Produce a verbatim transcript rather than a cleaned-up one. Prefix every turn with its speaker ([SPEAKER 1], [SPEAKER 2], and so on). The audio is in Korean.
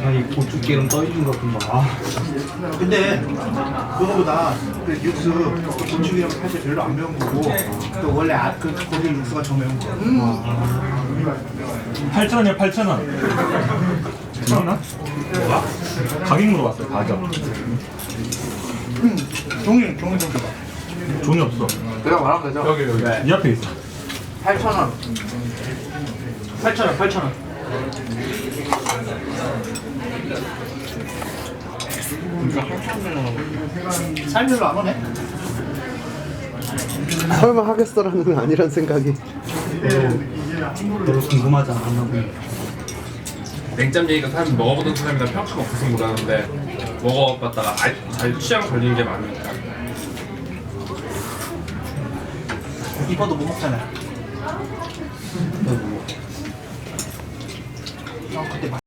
[SPEAKER 1] 아니 고추기름 떠있는 것 같은 거. 아,
[SPEAKER 2] 근데 그거보다 그 육수 고추기름 사실 별로 안 매운 거고 또 원래 아, 그 고기 육수가 더 매운 거.
[SPEAKER 3] 팔천 원이요, 팔천 원. 괜찮나? 가격 물어봤어요, 가격.
[SPEAKER 2] 음, 종이 종이 좀 줘봐.
[SPEAKER 3] 종이 없어.
[SPEAKER 4] 내가 말하면 되죠?
[SPEAKER 3] 여기, 여기. 이 앞에 있어.
[SPEAKER 4] 팔천 원.
[SPEAKER 2] 팔천 원, 팔천 원. 살 별로 안 오네.
[SPEAKER 5] 설마 하겠어라는 건 아니란 생각이.
[SPEAKER 1] 별로 궁금하지 않았나.
[SPEAKER 6] 냉짬 얘기가 사람 먹어보던 사람이나 평가가 없어서 모르는데 먹어봤다가 아, 잘 취향 걸리는 게 많으니까.
[SPEAKER 2] 이뻐도 못 먹잖아. 어, 그때